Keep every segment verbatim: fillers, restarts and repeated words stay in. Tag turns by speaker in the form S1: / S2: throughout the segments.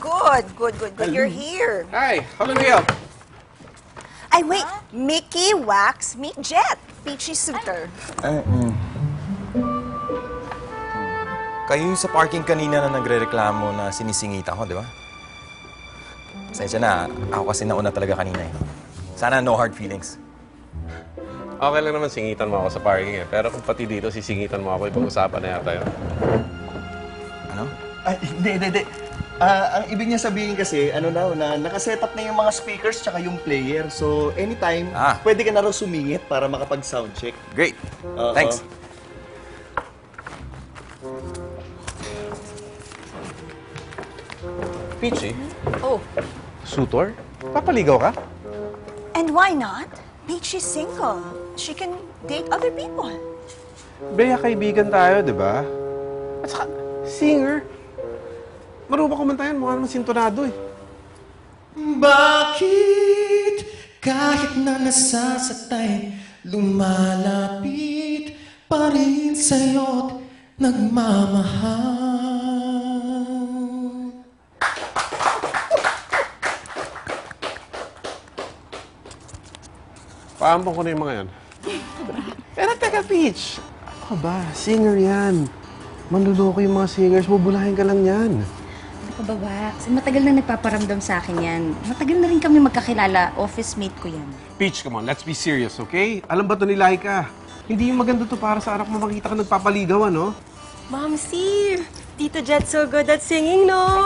S1: good, good, good, good. You're here.
S2: Hi, how can we help?
S1: Ay, wait. Mickey, Wax, meet Jet. Peachy suitor.
S3: Eh, mm. Kayo yung sa parking kanina na nagre-reklamo na sinisingitan ko, di ba? Pasensya na, ako kasi nauna talaga kanina eh. Sana no hard feelings.
S2: Okay lang naman singitan mo ako sa parking eh. Pero kung pati dito sisingitan mo ako, ipag-usapan na yata yun.
S3: Ano?
S4: Ay, hindi, hindi, hindi. Ah, ang ibig niya sabihin kasi, ano na, na nakaset up na yung mga speakers tsaka yung player. So, anytime,
S3: Ah.
S4: pwede ka na raw sumingit para makapag-soundcheck.
S3: Great.
S4: Oo.
S3: Thanks.
S2: Peachy,
S1: Oh.
S2: suitor? Papaligaw ka?
S1: And why not? Peachy's single. She can date other people.
S2: Beya, kaibigan tayo, di ba? At saka, singer. Marunong kumantayan, mukha naman sintonado eh.
S5: Bakit kahit na nasasaktan, lumalapit pa rin sa'yo't nagmamahal?
S2: Paampong ko na yung mga yan. Pero teka, Peach. Ano ka ba? Singer yan. Manluloko yung mga singers. Bubulahin ka lang yan.
S6: Ano ka ba, Wax? Matagal na nagpaparamdam sa akin yan. Matagal na rin kami magkakilala. Office mate ko yan.
S2: Peach, come on. Let's be serious, okay? Alam ba ito ni Laika? Hindi yung maganda to para sa anak mo makita ka nagpapaligaw, ano?
S7: Momsy, Tito Jet's so good at singing, no?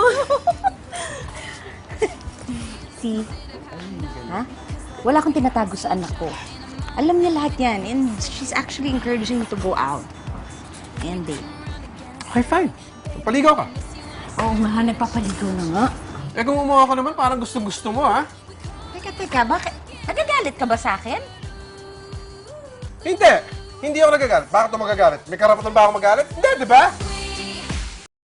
S6: Si, ha? Wala akong tinatago sa anak ko. Alam niya lahat yan. And she's actually encouraging me to go out. And date.
S2: Okay, fine. Paligaw ka.
S6: Oo nga, nagpapaligaw na nga.
S2: Eh kung umuha ka naman, parang gusto-gusto mo, ha?
S6: Teka, teka, bakit? Nagagalit ka ba sa akin?
S2: Hindi! Hindi ako nagagalit. Bakit ako magagalit? May karapatan ba ako magalit? Hindi, di ba?